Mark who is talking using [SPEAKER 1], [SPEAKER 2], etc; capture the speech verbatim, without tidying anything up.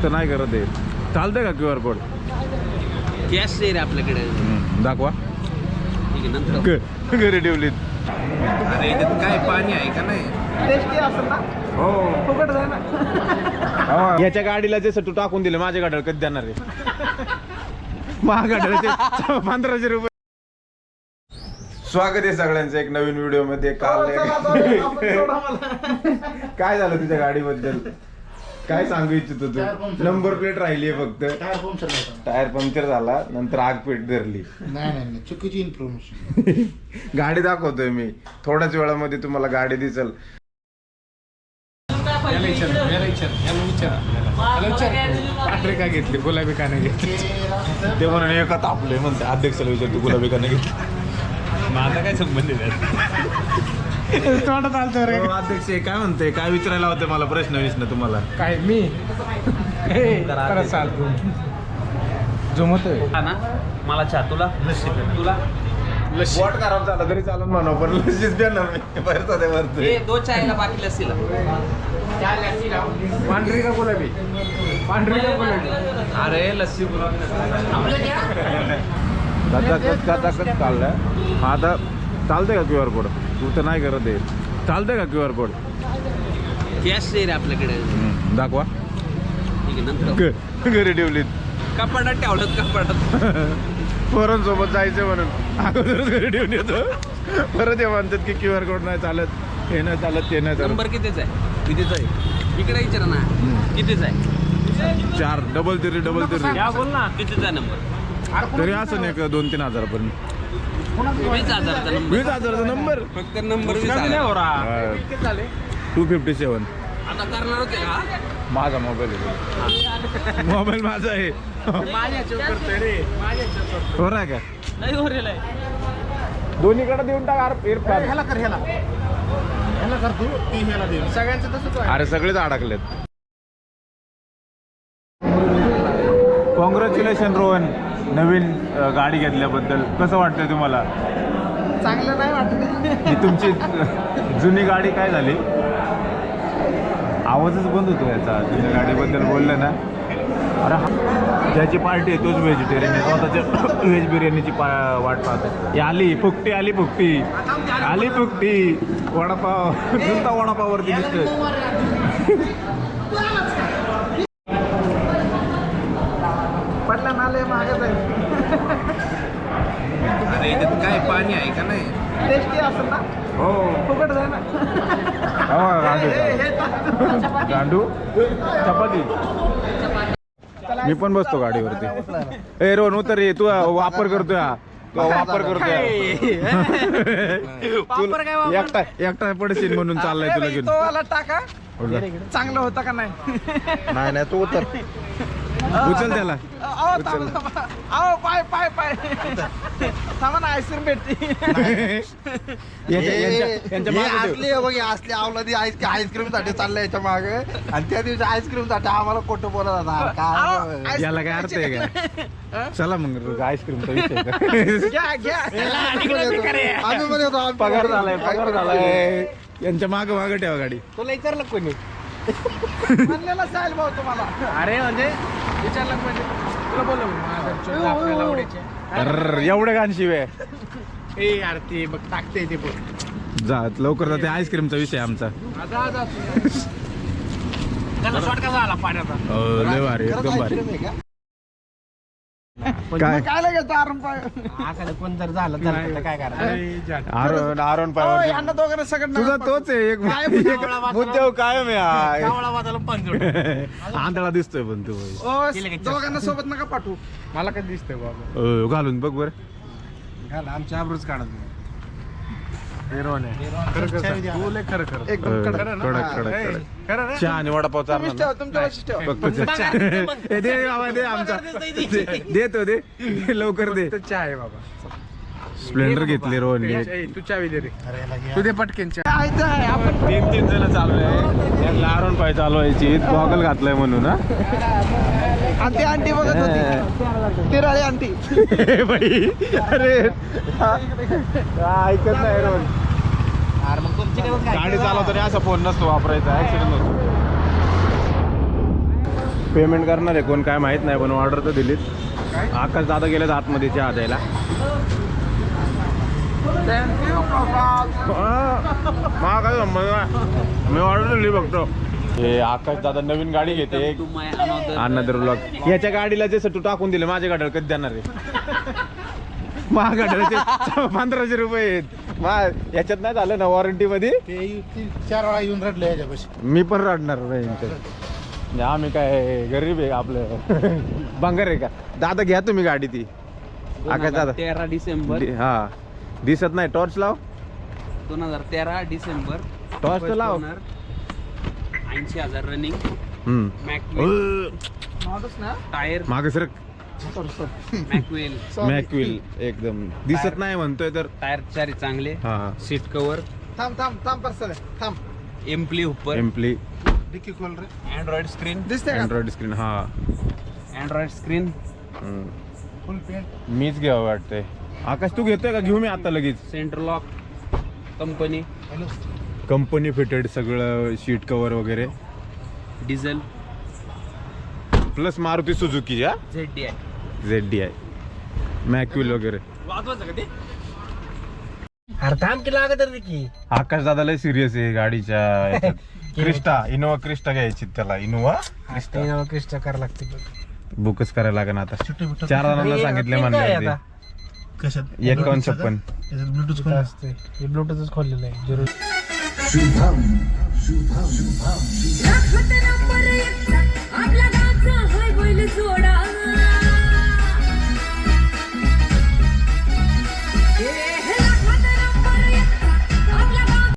[SPEAKER 1] तर नाही करत आहे. चालतंय का क्यू आर कोड?
[SPEAKER 2] कॅश रे आपल्याकडे.
[SPEAKER 1] दाखवा.
[SPEAKER 2] ठीक आहे नंतर
[SPEAKER 1] घरी ठेवलीत.
[SPEAKER 2] अरे याच्यात काय पाणी आहे का नाही?
[SPEAKER 3] टेस्टी असेल ना?
[SPEAKER 1] हो
[SPEAKER 3] फुकट जाय ना.
[SPEAKER 1] याच्या गाडीला जे तू टाकून दिले माझ्या गाडीवर कधी देणार आहे? महागाड्याचे पंधराशे रुपये. स्वागत आहे सगळ्यांचं एक नवीन व्हिडिओ मध्ये. काल काय झालं तुझ्या गाडीबद्दल? काय सांगू इच्छितो तू? नंबर प्लेट राहिली आहे फक्त. टायर पंक्चर झाला, नंतर आग पेट धरली.
[SPEAKER 3] नाही नाही चुकीची इन्फॉर्मेशन.
[SPEAKER 1] गाडी दाखवतोय मी थोड्याच वेळामध्ये, तुम्हाला गाडी दिसल.
[SPEAKER 4] काय घेतली? गुलाबी का नाही घेतली?
[SPEAKER 1] ते म्हणून एका तापले म्हणते. अध्यक्षाला विचारतो गुलाबी का नाही घेतली.
[SPEAKER 4] माझा काय संबंध तोंडात आलतो रे.
[SPEAKER 1] अध्यक्ष काय म्हणते? काय विचारायला होते मला? प्रश्न विश्न तुम्हाला
[SPEAKER 4] काय मी परत चालतो जमतोय
[SPEAKER 2] ना मला चहा. तुला तुला
[SPEAKER 1] वॉट खराब झाला तरी चालून म्हणा, पण लसीच देणार मी. भरतो ते भरतो.
[SPEAKER 2] हे दो चायला बाकी लस्सी
[SPEAKER 4] पांढरी का गुलाबी? पांढरी का गुलाबी?
[SPEAKER 2] अरे लस्सी
[SPEAKER 1] चाललंय. आता चालतंय का क्यू आर कोड? तू तर नाही करत आहे. चालतंय का क्यू आर कोड?
[SPEAKER 2] कॅश रे आपल्याकडे.
[SPEAKER 1] दाखवा.
[SPEAKER 2] ठीक आहे नंतर
[SPEAKER 1] घरी ठेवलीत.
[SPEAKER 2] कपाटात ठेवलं कपाटात.
[SPEAKER 1] पोरांसोबत जायचं म्हणून अगोदरच घरी ठेवून येतो. परत हे म्हणतात की क्यू आर कोड नाही चालत, हे नाही चालत, ते नाही चालत.
[SPEAKER 2] नंबर कितीच आहे?
[SPEAKER 1] कितीच आहे?
[SPEAKER 2] इकडे विचारा ना कितीच आहे?
[SPEAKER 1] चार डबल तरी डबल तरी
[SPEAKER 2] या बोल ना कितीचा नंबर?
[SPEAKER 1] तरी असं नाही का दोन तीन हजारापर्यंत.
[SPEAKER 2] वीस हजारचा नंबर.
[SPEAKER 1] वीस हजाराचा नंबर
[SPEAKER 2] फक्त नंबर वीस हजार.
[SPEAKER 1] Two fifty seven.
[SPEAKER 2] आता करणार होते का?
[SPEAKER 1] माझा मोबाईल आहे. मोबाईल माझा आहे. बरं आहे का?
[SPEAKER 2] नाही हो रे लय.
[SPEAKER 1] दोन्हीकडे देऊन टाक.
[SPEAKER 3] ह्याला कर ह्याला ह्याला कर तू ती ह्याला दे. सगळ्यांचं तसंच आहे.
[SPEAKER 1] अरे सगळेच अडकलेत. कॉंग्रॅच्युलेशन रोहन, नवीन अ, गाडी घेतल्याबद्दल. कसं वाटतंय तुम्हाला?
[SPEAKER 3] चांगलं नाही वाटत.
[SPEAKER 1] ही तुमची अ, जुनी गाडी काय झाली? आवाजच बंद होतो याचा. जुन्या गाडीबद्दल बोललं ना. अरे हा- ज्याची पार्टी आहे तोच व्हेजिटेरियन आहे. स्वतःच्या व्हेज बिर्याणीची पा वाट पाहतो. ही आली फुकटी, आली फुकटी, आली फुकटी. वडापाव नुसता वडापाववरती दिसतोय.
[SPEAKER 3] पडला ना लय महागच आहे.
[SPEAKER 2] अरे याच्यात काय पाणी आहे का नाही?
[SPEAKER 3] टेस्टी असेल ना?
[SPEAKER 1] हो
[SPEAKER 3] फुकट जाय ना.
[SPEAKER 1] हो, गांडू गांडू चपाती. मी पण बसतो गाडीवरती. ए रोहन उतर रे. तू वापर करतोय हा. तू वापर करतोय. तुला एकटा एकटा पडशील म्हणून चाललाय तुला घेऊन.
[SPEAKER 3] तो वाला टाका. चांगलं होतं का नाही?
[SPEAKER 1] नाही नाही तू उतर. उचल त्याला.
[SPEAKER 3] अहो थांबा थांबा. अहो पाय पाय पाय थांबा ना. आईस्क्रीम भेटते.
[SPEAKER 1] यांच्या- यांच्या- यांच्या मागं ठेव.
[SPEAKER 5] असली बघ असली आवलादी आईस्क्रीम साठी चाललंय याच्या मागे, आणि त्या दिवशी आईस्क्रीम साठी आम्हाला खोटं बोलत होता. काय
[SPEAKER 1] याला काय अर्थ आहे का? चला मग आईस्क्रीमचा विषय का?
[SPEAKER 3] घ्या घ्या.
[SPEAKER 5] आम्ही मध्ये होतो. आम्ही
[SPEAKER 1] पगार झालाय पगार झालाय. यांच्या माग माग ठेवा गाडी.
[SPEAKER 4] तुला विचारलं कोणी?
[SPEAKER 3] म्हणलेला साहेल भाऊ तुम्हाला.
[SPEAKER 4] अरे म्हणजे विचारलं म्हणजे तुला बोलव आपल्याला आवडायचे.
[SPEAKER 1] अरे एवढे घाण शिवे.
[SPEAKER 4] ए यार ते बघ टाकते ते बघ.
[SPEAKER 1] जा लवकर जा. ते आईस्क्रीमचा विषय आमचा.
[SPEAKER 4] आता आता त्याला शॉर्ट कसा आला पाण्याचा?
[SPEAKER 1] हो, लय भारी एकदम भारी. काय
[SPEAKER 3] काय लागेल आरण पाय.
[SPEAKER 4] असं कोण जर झालं तर काय करायचं?
[SPEAKER 1] आरोन आरोन
[SPEAKER 3] अहो,
[SPEAKER 1] पाय.
[SPEAKER 3] यांना दोघांना सगळं
[SPEAKER 1] तुझा तोच आहे एक मुद्द्यावर कायम आहे.
[SPEAKER 4] कावळा वाजायला पण जोड.
[SPEAKER 1] आंधळा दिसतोय पण तू.
[SPEAKER 3] दोघांना सोबत नका पाठवू.
[SPEAKER 4] मला काय दिसतंय बाबा?
[SPEAKER 1] अ, घालून बघ बर.
[SPEAKER 4] घाल आमच्या आबरूच काढत खरं खरं तू लय खरं खरं
[SPEAKER 3] एकदम कडक.
[SPEAKER 1] कडक कडक कडक.
[SPEAKER 4] खरं ना?
[SPEAKER 1] चहा आणि वडापाव
[SPEAKER 3] तुम्हीच ठेवा,
[SPEAKER 1] चालणार
[SPEAKER 3] तुमच्या लक्षात ठेवा.
[SPEAKER 1] फक्त ए, दे बाबा दे आमचा. दे- देतो दे लवकर दे.
[SPEAKER 4] फक्त चहा आहे बाबा.
[SPEAKER 1] स्प्लेंडर घेतली रोहनने.
[SPEAKER 4] ए, तू चावी दे रे. तू दे पटकेन चहा.
[SPEAKER 3] काय इथं आहे आपण.
[SPEAKER 1] तीन तीन जण चाललोय. त्यांना आरोन पाय चालवायची. गॉगल घातलाय म्हणून. हा
[SPEAKER 3] आंटी आंटी बघत होती. तिराळी आंटी.
[SPEAKER 1] ए, बाई अरे हा, ऐकत नाही रोहन.
[SPEAKER 2] अरे मग तुमची काय
[SPEAKER 1] गाडी चालवताना असा फोन नसतो वापरायचा. ऍक्सिडेंट होतो. पेमेंट करणार आहे कोण काय माहीत नाही, पण ऑर्डर तर दिलीत. आकाश दादा गेलेत आतमध्ये चहा द्यायला. मला काय संबंध नाही, मी ऑर्डर दिली बघतो. हे आकाश दादा नवीन गाडी घेते अनदर ब्लॉग. याच्या गाडीला जसं तू टाकून दिलं माझ्या गाडीवर कधी देणार आहे? माझ्या गाडीला पंधराशे रुपये आहेत. मा याच्यात नाही झालं ना वॉरंटी मध्ये?
[SPEAKER 4] चार वेळा येऊन रडले याच्यापाशी.
[SPEAKER 1] मी पण रडणार नाही यांच्यात. आम्ही काय गरीब आहे आपलं बंगार आहे का? दादा घ्या तुम्ही गाडी ती. आकाश दादा
[SPEAKER 2] तेरा डिसेंबर
[SPEAKER 1] दि- हा दिसत नाही, टॉर्च लाव.
[SPEAKER 2] दोन हजार तेरा डिसेंबर
[SPEAKER 1] टॉर्च तर लाव.
[SPEAKER 2] ऐंशी हजार रनिंग.
[SPEAKER 1] हम्म.
[SPEAKER 2] मॅकवेल
[SPEAKER 3] माणूस ना
[SPEAKER 2] टायर
[SPEAKER 1] मागे सर
[SPEAKER 2] मॅकवेल
[SPEAKER 1] मॅकविल एकदम दिसत नाही म्हणतोय तर.
[SPEAKER 2] टायर चारी चांगले.
[SPEAKER 1] हा हा
[SPEAKER 2] सीट कव्हर.
[SPEAKER 3] थांब थांब थांब पर्सल थांब.
[SPEAKER 2] Amply Hooper.
[SPEAKER 1] एम्प्ली
[SPEAKER 4] डिक्की खोल रे.
[SPEAKER 2] Android screen.
[SPEAKER 3] दिसते का?
[SPEAKER 1] Android screen. हा
[SPEAKER 2] अँड्रॉइड स्क्रीन.
[SPEAKER 1] हम्म.
[SPEAKER 4] Full paint.
[SPEAKER 1] मीच घ्यावं वाटतंय. आकाश तू घेतोय का? घेऊ मी आता लगेच.
[SPEAKER 2] Centre lock. Company.
[SPEAKER 4] Hello.
[SPEAKER 1] Company fitted सगळं सीट कव्हर वगैरे
[SPEAKER 2] डिझेल.
[SPEAKER 1] Plus Maruti Suzuki. हा
[SPEAKER 2] झेड डी आहे.
[SPEAKER 1] झेड डी आय मॅक्युल वगैरे.
[SPEAKER 2] वाजवायचं का ते?
[SPEAKER 4] अरे थांब की लागत रे की.
[SPEAKER 1] आकाश दादाला सिरियस आहे गाडीच्या याच्यात. क्रिस्टा इनोवा क्रिस्टा घ्यायची त्याला. इनोवा क्रिस्टा
[SPEAKER 4] क्रिस्टा करायला लागते बघ.
[SPEAKER 1] बुकच करायला लागेल आता.
[SPEAKER 4] छोटे मोठे.
[SPEAKER 1] चार जणांना सांगितले म्हणले
[SPEAKER 4] कशात?
[SPEAKER 1] एकावन्न छप्पन.
[SPEAKER 4] त्याच्यात ब्लूटूथ खोल असते. हे ब्लूटूथच खोललेलं आहे. जरूर.
[SPEAKER 6] दाखवत नंबर एकचा आपला गावचा हाय बैल जोडा